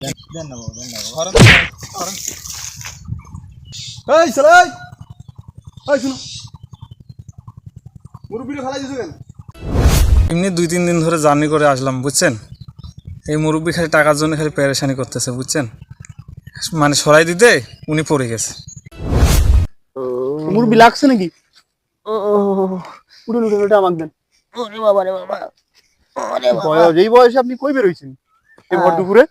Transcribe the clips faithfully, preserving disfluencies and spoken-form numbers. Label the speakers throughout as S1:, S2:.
S1: দেন না বাবা, দেন না বাবা।
S2: ধরেন ধরেন। এই চলে এই এই শুনো, মুরব্বিটা ফেলাই দিছো কেন?
S3: এমনি দুই তিন দিন ধরে জার্নি করে আসলাম বুঝছেন। এই মুরব্বি খালি টাকার জন্য খালি পেরেশানি করতেছে বুঝছেন, মানে সরাই দিতে উনি পড়ে গেছে।
S2: মুরব্বি লাগছে নাকি? উঠুন উঠুন, ওটা আমাকে দেন।
S1: ওরে বাবা রে বাবা, ওরে বাবা।
S2: বয়স এই বয়সে আপনি কই বেরোইছেন এই ভর দুপুরে?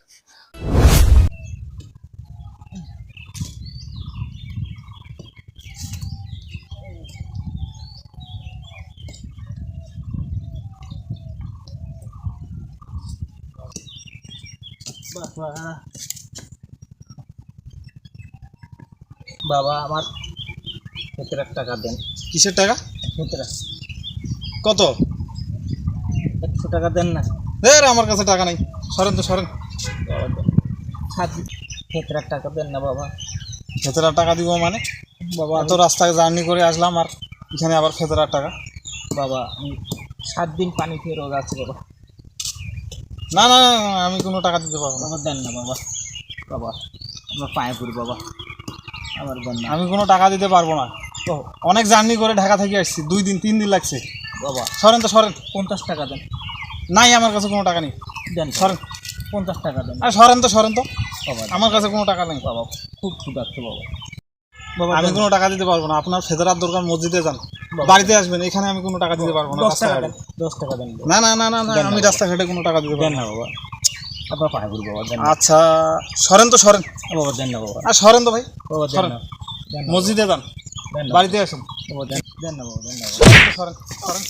S1: বাবা বাবা আমার সতেরো টাকা দেন।
S3: কিসের টাকা?
S1: সতেরো
S3: কত?
S1: একশো টাকা দেন না
S3: এর আমার কাছে টাকা নেই, সরেন তো সরেন।
S1: বাবা, দেন সাত সতেরো টাকা দেন না বাবা।
S3: ফেতরার টাকা দিব মানে?
S1: বাবা
S3: এত রাস্তায় জার্নি করে আসলাম আর এখানে আবার ফেতরার টাকা?
S1: বাবা আমি সাত দিন পানি খেয়ে রোগ আছে বাবা।
S3: না না না, না, আমি কোনো টাকা দিতে পারবো না।
S1: বাবা দেন না বাবা, বাবা আমার পায়ে পড়ি বাবা, আমার দেন না
S3: আমি কোনো টাকা দিতে পারবো না, তো অনেক জার্নি করে ঢাকা থেকে আসছি, দুই দিন তিন দিন লাগছে।
S1: বাবা।
S3: সরেন তো সরেন।
S1: পঞ্চাশ টাকা দেন।
S3: নাই আমার কাছে কোনো টাকা নেই,
S1: দেন
S3: সরেন।
S1: পঞ্চাশ টাকা দেন
S3: আরে সরেন তো সরেন তো,
S1: বাবা।
S3: আমার কাছে কোনো টাকা নেই।
S1: বাবা খুব ক্ষুধার্ত বাবা। বাবা
S3: আমি
S1: দেন।
S3: কোনো টাকা দিতে পারবো না, আপনার ফেদরার দরকার মসজিদে যান,
S1: বাবা।
S3: বাড়িতে আসবেন, এখানে আমি কোনো টাকা দিতে পারবো না।
S1: দশ টাকা
S3: রাস্তাঘাটে
S1: দেন, দশ টাকা দেন বাবা।
S3: না না না না না,
S1: দেন না
S3: আমি
S1: বাবা।
S3: রাস্তাঘাটে কোনো টাকা দিতে
S1: দেন
S3: পারবো
S1: না
S3: না।
S1: বাবা, আপনার পায়ে পড়ি বাবা, দেন না।
S3: আচ্ছা সরেন তো সরেন।
S1: বাবা দেন না বাবা,
S3: আর সরেন তো ভাই,
S1: বাবা দেন
S3: সরেন।
S1: না, দেন না
S3: মসজিদে যান,
S1: দেন না
S3: বাড়িতে আসুন।
S1: বাবা, দেন দেন না বাবা, দেন না বাবা।
S3: সরেন তো সরেন সরেন।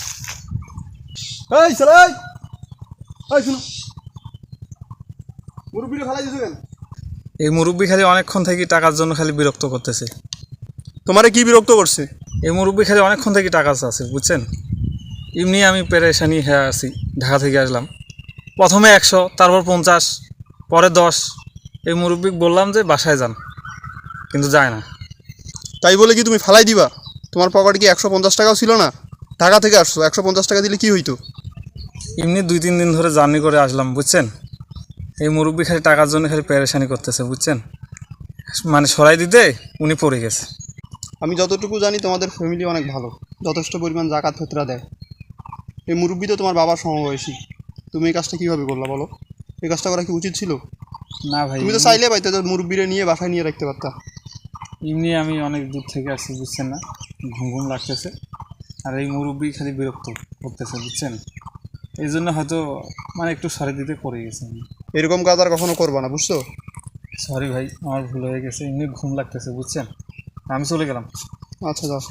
S2: এই চলে এই এই শুনো, মুরব্বিটা ফেলাই দিছো কেন?
S3: এই মুরব্বি খালি অনেকক্ষণ থেকে টাকার জন্য খালি বিরক্ত করতেছে।
S2: তোমারে কি বিরক্ত করছে?
S3: এই মুরব্বি খালি অনেকক্ষণ থেকে টাকা আছে বুঝছেন। এমনি আমি পেরেশানি হয়ে আছি, ঢাকা থেকে আসলাম। প্রথমে একশো, তারপর পঞ্চাশ, পরে দশ। এই মুরব্বি বললাম যে বাসায় যান, কিন্তু যায় না।
S2: তাই বলে কি তুমি ফেলাই দিবা? তোমার পকেটে কি একশো পঞ্চাশ টাকাও ছিল না? ঢাকা থেকে আসছো, একশো পঞ্চাশ টাকা দিলে কি হইতো?
S3: এমনি দুই তিন দিন ধরে জার্নি করে আসলাম বুঝছেন। এই মুরব্বি খালি টাকার জন্য খালি পেরেশানি করতেছে বুঝছেন, মানে সরাই দিতে উনি পড়ে গেছে।
S2: আমি যতটুকু জানি তোমাদের ফ্যামিলি অনেক ভালো, যথেষ্ট পরিমাণ জাকাত ফেতরা দেয়। এই মুরব্বি তো তোমার বাবার সমবয়সী, তুমি এই কাজটা কীভাবে করলা বলো? এই কাজটা করা কি উচিত ছিল?
S3: না ভাই,
S2: তুমি তো চাইলে পাইতে তো মুরব্বিরে নিয়ে বাসায় নিয়ে রাখতে পারতা।
S3: এমনি আমি অনেক দূর থেকে আসছি বুঝছেন না, ঘুম ঘুম লাগতেছে। আর এই মুরব্বি খালি বিরক্ত করতেছে বুঝছেন, এই জন্য হয়তো মানে একটু সরে দিতে পড়ে গেছে।
S2: এরকম কাজ আর কখনো করবা না, বুঝছো?
S3: সরি ভাই, আমার ভুল হয়ে গেছে, এমনি ঘুম লাগতেছে বুঝছেন, আমি চলে গেলাম।
S2: আচ্ছা যাও।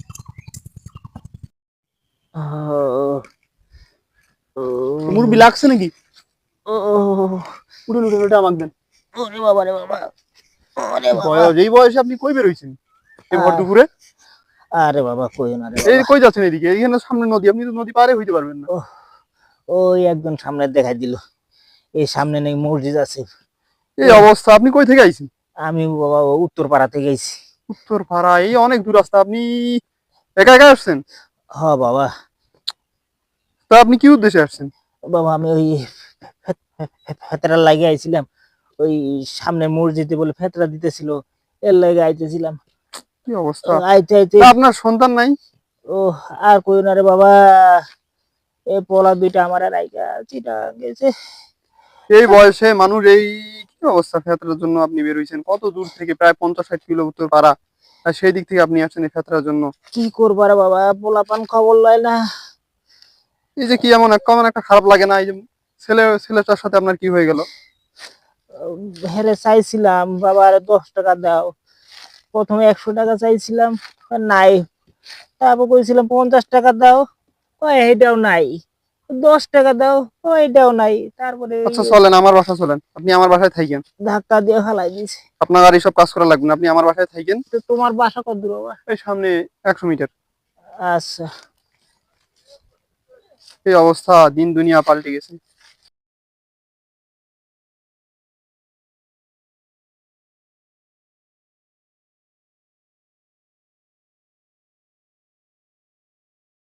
S2: মুরব্বি লাগছে নাকি? উঠুন উঠুন, ওটা আমাকে দেন।
S1: ওরে বাবা রে বাবা, ওরে বাবা।
S2: বয়স এই বয়সে আপনি কই বেরোইছেন এই ভর দুপুরে?
S1: আরে বাবা কই না রে
S2: এই
S1: বাবা।
S2: কই যাচ্ছেন? এদিকে, এইখানে সামনে নদী, আপনি তো নদী পারে হইতে পারবেন না।
S1: ওহ, ওই একজন সামনে দেখাই দিল, এই সামনে নেই মসজিদ আছে।
S2: এই অবস্থা, আপনি কই থেকে আইছেন?
S1: আমি বাবা উত্তর পাড়া থেকে গেছি।
S2: উত্তর পাড়া? এই অনেক দূর রাস্তা, আপনি একা একা আসছেন?
S1: হ বাবা।
S2: তা আপনি কি উদ্দেশ্যে আসছেন?
S1: বাবা আমি ওই ফেতরা লাগে আইছিলাম, ওই সামনে মসজিদে বলে ফেতরা দিতেছিল, এর লাগে আইতেছিলাম।
S2: কি অবস্থা!
S1: আইতে আইতে
S2: তা আপনার সন্তান নাই?
S1: ও আর কই না রে বাবা, এই পোলা দুইটা আমার রাইকা চিটা গেছে।
S2: এই বয়সে মানুষ এই কি অবস্থা! ফেতরার জন্য আপনি বের হইছেন কত দূর থেকে, প্রায় পঞ্চাশ ষাট কিলো উত্তর পাড়া, আর সেই দিক থেকে আপনি আসছেন এই ফেতরার জন্য।
S1: কি করবো রে বাবা, পোলা পান খবর লয় না।
S2: এই যে কি এমন এক কেমন একটা খারাপ লাগে না? এই যে ছেলে ছেলেটার সাথে আপনার কি হয়ে গেল?
S1: হেরে চাইছিলাম বাবা আরে দশ টাকা দাও, প্রথমে একশো টাকা চাইছিলাম নাই, তারপর কইছিলাম পঞ্চাশ টাকা দাও, ওই এটাও নাই, দশ টাকা দাও, ও এটাও নাই, তারপরে
S2: আচ্ছা চলেন আমার বাসা চলেন, আপনি আমার বাসায় থাকেন।
S1: ধাক্কা দিয়ে ফেলাই দিছে।
S2: আপনার আর এইসব কাজ করা লাগবে না, আপনি আমার বাসায় থাকেন।
S1: তো তোমার বাসা কত দূর বাবা?
S2: এই সামনে একশো মিটার।
S1: আচ্ছা।
S2: এই অবস্থা, দিন দুনিয়া পাল্টে গেছে।